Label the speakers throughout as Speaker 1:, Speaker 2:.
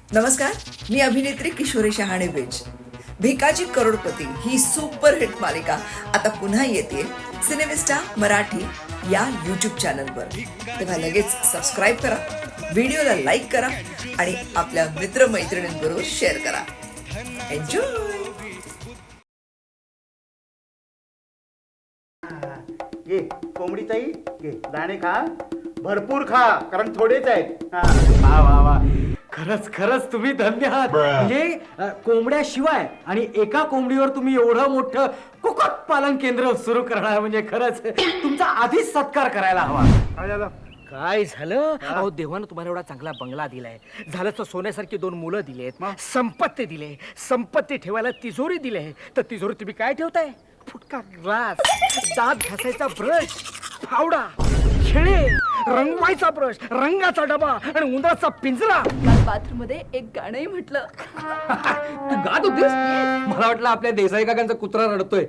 Speaker 1: नमस्कार, मी अभिनेत्री किशोरी शहाणे बेज. भिकाजी करोडपती ही सुपरहिट मालिका आता पुन्हा येते सिनेमिस्टा मराठी या यूट्यूब चॅनलवर. तेव्हा लगेच सबस्क्राईब करा, व्हिडिओला लाईक करा आणि आपल्या मित्रमैत्रिणींबरोबर शेअर करा. एन्जॉय.
Speaker 2: ये कोंबडी ताई, ये दाणे खा, भरपूर खा, कारण थोडेच आहेत.
Speaker 3: वा वा वा, खरंच खरंच तुम्ही धन्य आहात. म्हणजे कोंबड्याशिवाय आणि एका कोंबडीवर तुम्ही एवढं मोठं कुक्कुट पालन केंद्र सुरू करणार म्हणजे खरंच तुमचा आधीच सत्कार करायला हवा.
Speaker 2: काय झालं?
Speaker 4: काय झालं? अहो देवानं तुम्हाला एवढा चांगला बंगला दिलाय, झालं तर सोन्यासारखी 2 मुलं दिलेत, संपत्ती दिले, संपत्ती ठेवायला तिजोरी दिले, तर तिजोरी तुम्ही काय ठेवताय? फुटका ग्लास, दात घासायचा ब्रश, फावडा, खेळे, रंगवायचा ब्रश, रंगाचा डबा आणि उंदराचा पिंजरा.
Speaker 5: काल बाथरूम मध्ये एक गाणंही म्हटलं.
Speaker 4: तू गात होतीस? मला वाटलं आपल्या देसाई काकांचा कुत्रा रडतोय.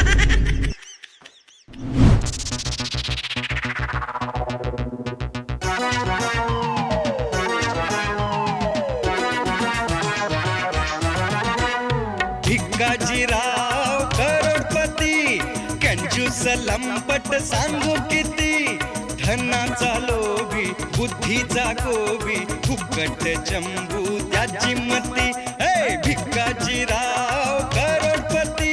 Speaker 6: भिकाजीराव करोडपती, कंजूस लंपट सांगू किती, धनाचा लोभी बुद्धीचा गोबी, फुकट चंबू त्याची मती. हे भिकाजीराव करोडपती.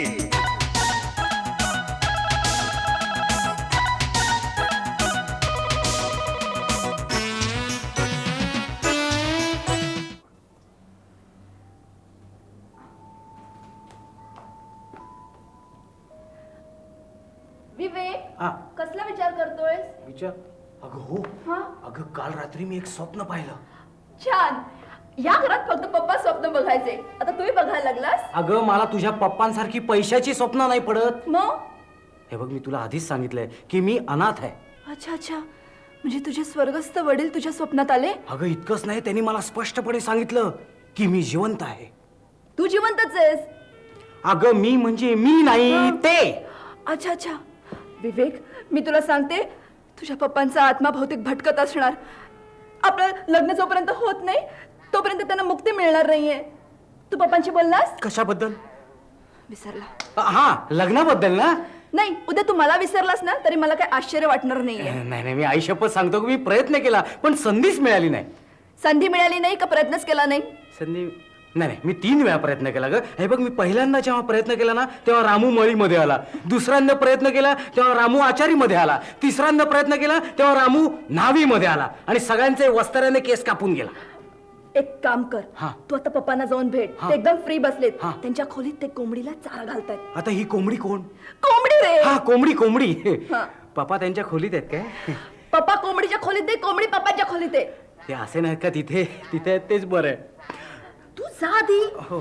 Speaker 5: विवेक,
Speaker 3: हा,
Speaker 5: कसला विचार करतोयस?
Speaker 3: विचार. अगं हो,
Speaker 5: हा?
Speaker 3: अगं काल रात्री मी एक स्वप्न पाहिलं.
Speaker 5: छान. या घरात फक्त पप्पा स्वप्न बघायचे, आता तुम्ही बघायला लागलास.
Speaker 3: अगं मला तुझ्या पप्पांसारखी पैशाची स्वप्न नाही पडत.
Speaker 5: मग
Speaker 3: हे बघ, मी तुला आधीच सांगितलंय की मी अनाथ आहे.
Speaker 5: अच्छा अच्छा, म्हणजे तुझे स्वर्गस्थ वडील तुझ्या स्वप्नात आले?
Speaker 3: अगं इतकंच नाही, त्यांनी मला स्पष्टपणे सांगितलं की मी जिवंत आहे.
Speaker 5: तू जिवंतच आहेस?
Speaker 3: अगं मी म्हणजे मी नाही,
Speaker 5: हा.
Speaker 3: ते.
Speaker 5: अच्छा अच्छा. विवेक, मी तुला सांगते, तुझ्या पप्पांचा आत्मा भौतिक भटकत असणार. आपलं लग्न जोपर्यंत होत नाही तोपर्यंत त्यांना मुक्ती मिळणार नाहीये. तू पप्पांशी बोललास?
Speaker 3: कशाबद्दल?
Speaker 5: विसरला?
Speaker 3: हा, लग्नाबद्दल ना.
Speaker 5: नाही, उद्या तू मला विसरलास ना तरी मला काही आश्चर्य वाटणार नाहीये.
Speaker 3: नाही नाही, मी आई शपथ सांगतो की मी प्रयत्न केला पण संधीच मिळाली नाही.
Speaker 5: संधी मिळाली नाही का प्रयत्नच केला नाही?
Speaker 3: संधी नाही नाही, मी 3 वेळा प्रयत्न केला ग. हे बघ, मी पहिल्यांदा जेव्हा प्रयत्न केला ना तेव्हा रामू मळीमध्ये आला, दुसऱ्यांदा प्रयत्न केला तेव्हा रामू आचारीमध्ये आला, तिसऱ्यांदा प्रयत्न केला तेव्हा रामू न्हावीमध्ये आला आणि सगळ्यांचे वस्त्राने केस कापून गेला.
Speaker 5: एक काम कर,
Speaker 3: हा.
Speaker 5: तू आता पप्पांना जाऊन भेट.
Speaker 3: हा.
Speaker 5: ते एकदम फ्री बसलेत.
Speaker 3: हा.
Speaker 5: त्यांच्या खोलीत ते कोंबडीला चारा घालतायत.
Speaker 3: आता ही कोंबडी कोण?
Speaker 5: कोंबडी रे.
Speaker 3: हा, कोंबडी कोंबडी.
Speaker 5: हा.
Speaker 3: पप्पा त्यांच्या खोलीत आहेत काय?
Speaker 5: पप्पा कोंबडीच्या खोलीत आहे, कोंबडी पप्पाच्या खोलीत आहे.
Speaker 3: ते असे नाहीत का तिथे तिथे आहेत तेच बरं आहे.
Speaker 5: तू जा आधी.
Speaker 3: हो.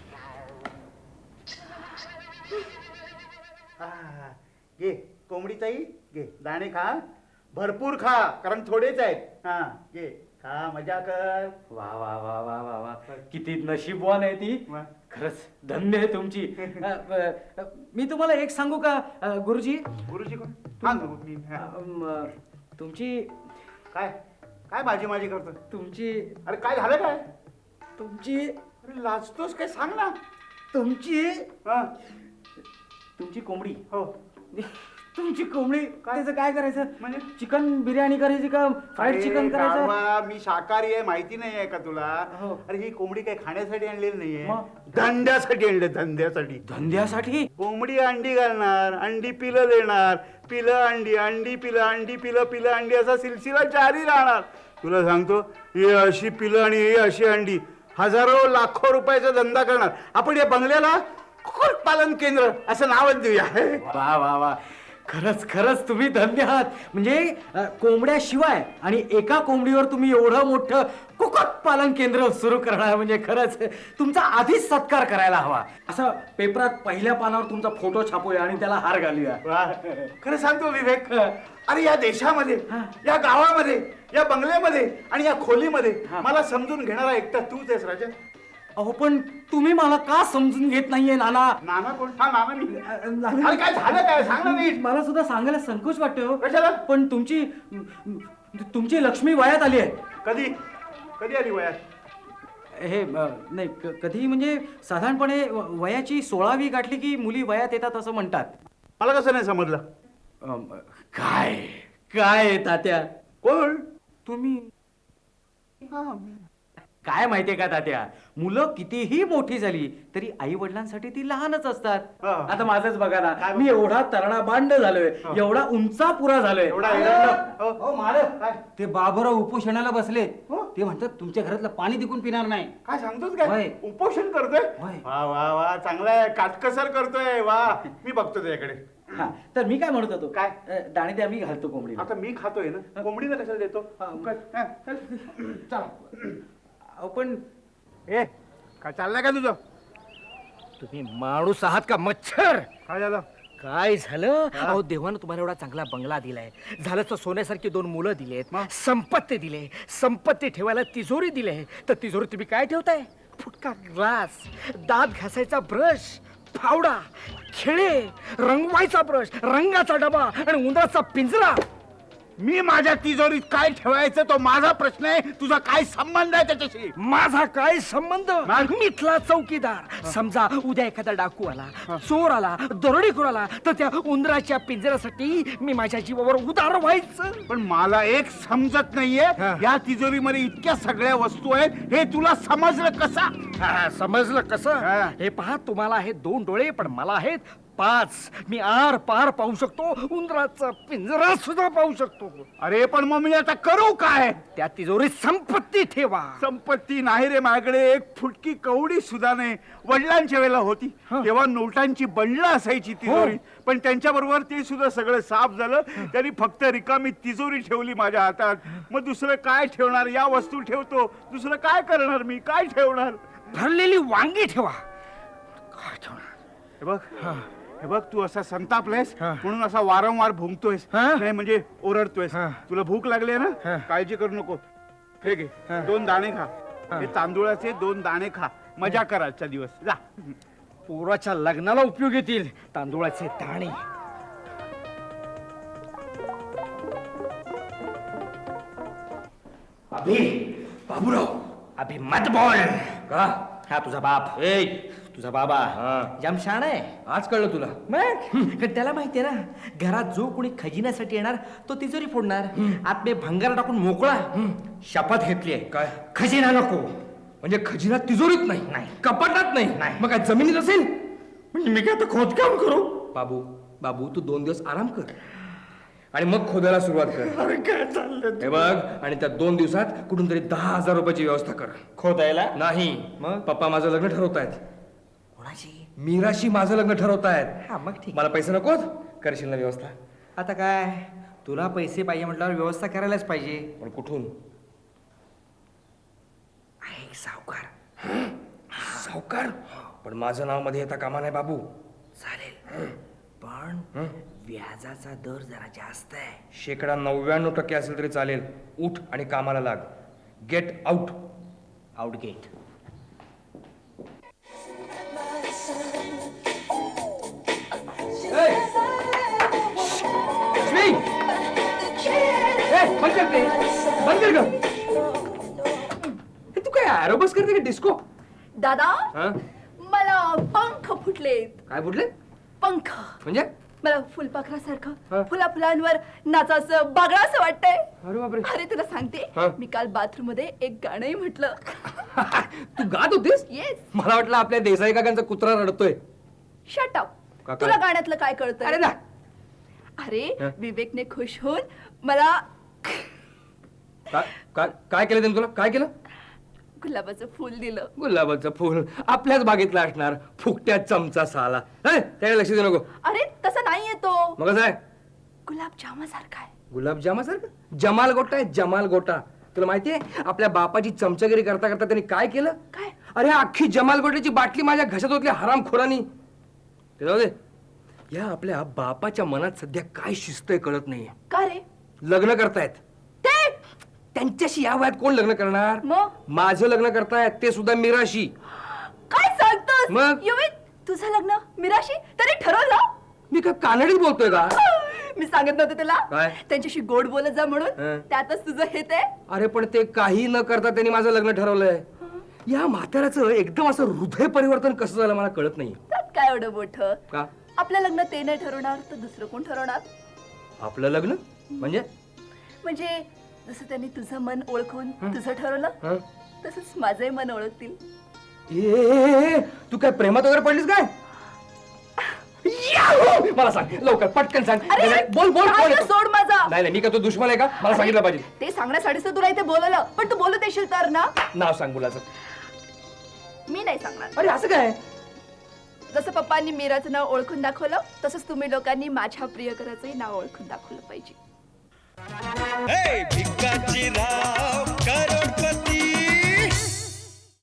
Speaker 2: ये कोंबडी ताई, ये दाणे खा, भरपूर खा, कारण थोडेच आहेत. हा, ये खा, मजा कर.
Speaker 3: वा वा वा वा वा वा, किती नशीबवान आहे ती.
Speaker 2: वा.
Speaker 3: खरंच धन्य आहे तुमची. मी तुम्हाला एक सांगू का गुरुजी?
Speaker 2: गुरुजी कोण? हा, मी. हा.
Speaker 3: तुमची
Speaker 2: काय काय माझी माझी करतो?
Speaker 3: तुमची
Speaker 2: अरे काय झालं काय?
Speaker 3: तुमची
Speaker 2: अरे लाजतोस काय, सांग ना.
Speaker 3: तुमची
Speaker 2: हा,
Speaker 3: तुमची कोंबडी.
Speaker 2: हो.
Speaker 3: तुमची कोंबडी त्याचं काय करायचं?
Speaker 2: म्हणजे?
Speaker 3: चिकन बिर्याणी करायची का फ्राईड चिकन करायचं?
Speaker 2: गाढवा, मी शाकाहारी आहे, माहिती नाही आहे का तुला?
Speaker 3: हो.
Speaker 2: अरे ही कोंबडी काही खाण्यासाठी आणलेली नाहीये,
Speaker 3: मग?
Speaker 2: धंद्यासाठी आणले, धंद्यासाठी.
Speaker 3: धंद्यासाठी?
Speaker 2: कोंबडी अंडी घालणार, अंडी पिलं देणार, पिलं अंडी, अंडी पिलं, अंडी पिलं, पिलं अंडी, असा सिलसिला जारी राहणार. तुला सांगतो, ही अशी पिलं आणि ही अशी अंडी, हजारो लाखो रुपयाचा धंदा करणार. आपण या बंगल्याला कुक्कुट पालन केंद्र असं नावच देऊया.
Speaker 3: वा वा वा, खरंच खरंच तुम्ही धन्य आहात. म्हणजे कोंबड्याशिवाय आणि एका कोंबडीवर तुम्ही एवढं मोठं कुक्कुट पालन केंद्र सुरू करणार म्हणजे खरंच तुमचा आधीच सत्कार करायला हवा. असं पेपरात पहिल्या पानावर तुमचा फोटो छापूया आणि त्याला हार घालूया.
Speaker 2: वा. खरं सांगतो विवेक, अरे या देशामध्ये, या गावामध्ये, या बंगल्यामध्ये आणि या खोलीमध्ये मला समजून घेणारा एकटा तूच आहेस राजा.
Speaker 3: अहो पण तुम्ही मला का समजून घेत नाहीये नाना?
Speaker 2: नाना कोण? हा नाना मी.
Speaker 3: नाना-
Speaker 2: अरे काय झालं काय, सांग ना नीट.
Speaker 3: मला सुद्धा सांगायला संकोच वाटतो.
Speaker 2: कशाला?
Speaker 3: पण तुमची लक्ष्मी वयात आली आहे.
Speaker 2: कधी कधी आली वयात?
Speaker 3: हे नाही कधी म्हणजे साधारणपणे वयाची 16वी गाठली की मुली वयात येतात असं म्हणतात.
Speaker 2: मला कसं नाही समजलं?
Speaker 3: काय काय तात्या
Speaker 2: कोण?
Speaker 3: तुम्ही काय माहितीये का तात्या, मुलं कितीही मोठी झाली तरी आई वडिलांसाठी ती लहानच असतात.
Speaker 2: हा.
Speaker 3: आता माझंच बघा ना, मी एवढा तरणा बांड झालोय, एवढा उंचा पुरा झालोय.
Speaker 2: एवढा एरंड. हो.
Speaker 7: हो मालक, ते बाबूराव उपोषणाला बसले.
Speaker 2: हो?
Speaker 7: ते म्हणतात तुमच्या घरातलं पाणी तिकून पिणार नाही.
Speaker 2: काय सांगतोस
Speaker 7: होय.
Speaker 2: काय? उपोषण करतोय?
Speaker 7: होय.
Speaker 2: वा वा वा, चांगलाय, काटकसर करतोय. वा, मी बघतो त्याच्याकडे.
Speaker 3: हा, तर मी काय म्हणत होतो,
Speaker 2: काय?
Speaker 3: दाणे द्या, मी घालतो कोंबडीला.
Speaker 2: आता मी खातोय ना, कोंबडीला कशाला देतो? हा, चल.
Speaker 3: अहो, पण
Speaker 2: ए, काय चाललंय का तुझं?
Speaker 4: तुम्ही माणूस आहात का मच्छर?
Speaker 2: काय झालं?
Speaker 4: काय झालं? अहो देवानं तुम्हाला एवढा चांगला बंगला दिलाय, झालं तर सोन्यासारखी 2 मुलं दिलेत, संपत्ती दिले, संपत्ती ठेवायला तिजोरी दिले, तर तिजोरी तुम्ही काय ठेवताय? फुटका ग्लास, दात घासायचा ब्रश, फावडा, खिळे, रंगवायचा ब्रश, रंगाचा डबा आणि उंदराचा पिंजरा.
Speaker 2: मी माझ्या तिजोरीत काय ठेवायचं तो माझा प्रश्न आहे. तुझा काय संबंध आहे त्याच्याशी?
Speaker 4: माझा काय संबंध? मिथला चौकीदार. समजा उद्या एखादा डाकू आला, चोर आला, दरोडेखोर आला, तर त्या उंदराच्या पिंजऱ्यासाठी मी माझ्या जीवावर उदार व्हायचं.
Speaker 2: पण मला एक समजत नाहीये, या तिजोरीमध्ये इतक्या सगळ्या वस्तू आहेत, हे तुला समजलं कसा?
Speaker 4: समजलं कसं?
Speaker 2: हा.
Speaker 4: हे पहा, तुम्हाला आहेत 2 डोळे, पण मला आहेत 5. मी आर पार पाहू शकतो, उंदराचा पिंजरा सुद्धा पाहू शकतो.
Speaker 2: अरे पण मग मी आता करू काय?
Speaker 4: त्या तिजोरीत संपत्ती ठेवा.
Speaker 2: संपत्ती नाही रे माझ्याकडे. एक फुटकी कवडी सुद्धा नाही. वडिलांच्या वेळेला होती तेव्हा नोटांची बंडलं असायची तिजोरी, पण त्यांच्या बरोबर ते सुद्धा सगळं साफ झालं. त्यांनी फक्त रिकामी तिजोरी ठेवली माझ्या हातात. मग दुसरं काय ठेवणार? या वस्तू ठेवतो, दुसरं काय करणार मी? काय ठेवणार?
Speaker 4: भरलेली वांगी ठेवा. काय ठेवणार?
Speaker 2: हे बघ, हे बघ, तू असा संतापलायस म्हणून असा वारंवार भुंकतोयस, नाही म्हणजे ओरडतोयस. तुला भूक लागली ना, काळजी करू नको. हे घे, 2 दाणे खा. हे तांदूळाचे 2 दाणे खा. मजा कर आजचा दिवस. जा.
Speaker 4: पोराच्या लग्नाला उपयोग येतील तांदूळाचे दाणे. अभि, बाबूराव, अभि मत बोल. का? हा तुझा बाप. तुझा बाबा जाम शाण आहे.
Speaker 3: आज कळलं तुला?
Speaker 4: मग त्याला माहितीये ना, घरात जो कोणी खजिन्यासाठी येणार तो तिजोरी फोडणार. आत मी भंगार टाकून मोकळा. शपथ घेतली आहे.
Speaker 3: काय?
Speaker 4: खजिना नको.
Speaker 3: म्हणजे खजिना तिजोरीत नाही,
Speaker 4: नाही.
Speaker 3: कपाटात नाही,
Speaker 4: नाही.
Speaker 3: मग काय जमिनीत असेल?
Speaker 4: म्हणजे मी काय आता खोदकाम करू?
Speaker 3: बाबू बाबू तू 2 दिवस आराम कर आणि मग खोदायला सुरुवात कर.
Speaker 4: अरे काय चाललं?
Speaker 3: हे बघ, आणि त्या 2 दिवसात कुठून तरी 10,000 रुपयाची व्यवस्था कर.
Speaker 4: खोदायला?
Speaker 3: नाही, मग पप्पा माझं लग्न ठरवतायत.
Speaker 4: कोणाची?
Speaker 3: मीराशी माझं लग्न ठरवतायत.
Speaker 4: हा मग ठीक.
Speaker 3: मला पैसे नकोत? करशील ना व्यवस्था?
Speaker 4: आता काय, तुला पैसे पाहिजे म्हटल्यावर व्यवस्था करायलाच पाहिजे.
Speaker 3: पण कुठून?
Speaker 4: आहे सावकार.
Speaker 3: सावकार? पण माझं नाव मध्ये येता कामा नाही बाबू.
Speaker 4: चालेल, पण व्याजाचा दर जरा जास्त आहे.
Speaker 3: 99% असेल तरी चालेल. उठ आणि कामाला लाग. Get out.
Speaker 4: आउटगेट.
Speaker 3: बंद कर ग. तू काय ॲरोबस करते का डिस्को?
Speaker 5: दादा,
Speaker 3: हा?
Speaker 5: मला पंख फुटलेत.
Speaker 3: काय बोलले?
Speaker 5: पंख.
Speaker 3: म्हणजे?
Speaker 5: मला फुलपाखरासारखं फुला फुलांवर नाचाचं बागळाचं वाटतंय.
Speaker 3: अरे बापरे.
Speaker 5: अरे तुला सांगते,
Speaker 3: हा?
Speaker 5: मी काल बाथरूम मध्ये एक गाणंही म्हटलं.
Speaker 3: तू गात होतीस?
Speaker 5: येस.
Speaker 3: मला वाटलं आपल्या देसाई काकांचा कुत्रा रडतोय.
Speaker 5: Shut up.
Speaker 3: का काय?
Speaker 5: तुला गाण्यातलं काय कळतंय?
Speaker 3: अरे ना.
Speaker 5: अरे
Speaker 3: हा?
Speaker 5: विवेकने खुश होऊन मला
Speaker 3: काय केलं त्याने तुला? काय केलं?
Speaker 5: गुलाबाचं फुल दिलं.
Speaker 3: गुलाबाचं फुल आपल्याच बागेतलं असणार. फुकट्या चमचा साला. त्याकडे लक्ष देऊ नको.
Speaker 5: अरे तसं नाहीये तो.
Speaker 3: मग कसं आहे?
Speaker 5: गुलाबजामासारखा आहे.
Speaker 3: गुलाबजामासारखं? जमाल गोटा आहे, जमाल गोटा. तुला माहितीये आपल्या बापाची चमचागिरी करता करता त्यांनी काय केलं?
Speaker 5: काय?
Speaker 3: अरे अख्खी जमाल गोट्याची बाटली माझ्या घशात होतली हरामखोरांनी. ते जाऊ दे. या आपल्या बापाच्या मनात सध्या काय शिस्त आहे कळत नाहीये.
Speaker 5: का रे?
Speaker 3: लग्न करतायत.
Speaker 5: ते
Speaker 3: त्यांच्याशी या वयात कोण लग्न करणार?
Speaker 5: मग?
Speaker 3: माझं लग्न करतायत, ते सुद्धा मीराशी.
Speaker 5: काय सांगतोस?
Speaker 3: मग?
Speaker 5: युवी, तुझं लग्न मीराशी तरी ठरवलं?
Speaker 3: मी का कानडीत बोलतोय का?
Speaker 5: मी सांगत नव्हते तुला
Speaker 3: काय?
Speaker 5: त्यांच्याशी गोड बोलत जा म्हणून.
Speaker 3: हं.
Speaker 5: त्यातच तुझं हे ते.
Speaker 3: अरे पण ते काही न करता त्यांनी माझं लग्न ठरवलंय.
Speaker 4: या म्हाताऱ्याचं एकदम असं हृदय परिवर्तन कसं झालं मला कळत नाही.
Speaker 5: त्यात काय एवढं मोठं?
Speaker 4: का?
Speaker 5: आपलं लग्न ते नाही ठरवणार तर दुसरं कोण ठरवणार?
Speaker 4: आपलं लग्न म्हणजे?
Speaker 5: म्हणजे जसं त्यांनी तुझं मन ओळखून तुझं ठरवलं
Speaker 4: हं?
Speaker 5: तसंच माझंही मन ओळखतील.
Speaker 4: ए, तू काय प्रेमात वगैरे पडलीस काय? याहू! मला सांग लवकर पटकन सांग.
Speaker 5: अरे,
Speaker 4: नाही, बोल बोल
Speaker 5: हात
Speaker 4: कोण आहे तो?
Speaker 5: सोड माझा.
Speaker 4: नाही नाही, मी का तो दुश्मन आहे का? मला सांगितलं पाहिजे.
Speaker 5: ते सांगण्यासाठीच तर तुला इथे बोलवलं, पण तू बोलत येशील तर ना.
Speaker 4: नाव सांग मुलाचं.
Speaker 5: मी नाही सांगणार.
Speaker 4: अरे असं काय?
Speaker 5: जसं पप्पांनी मीराचं नाव ओळखून दाखवलं तसंच तुम्ही लोकांनी माझ्या प्रियकराचंही नाव ओळखून दाखवलं पाहिजे.
Speaker 6: हे भिकाजी राव करोडपती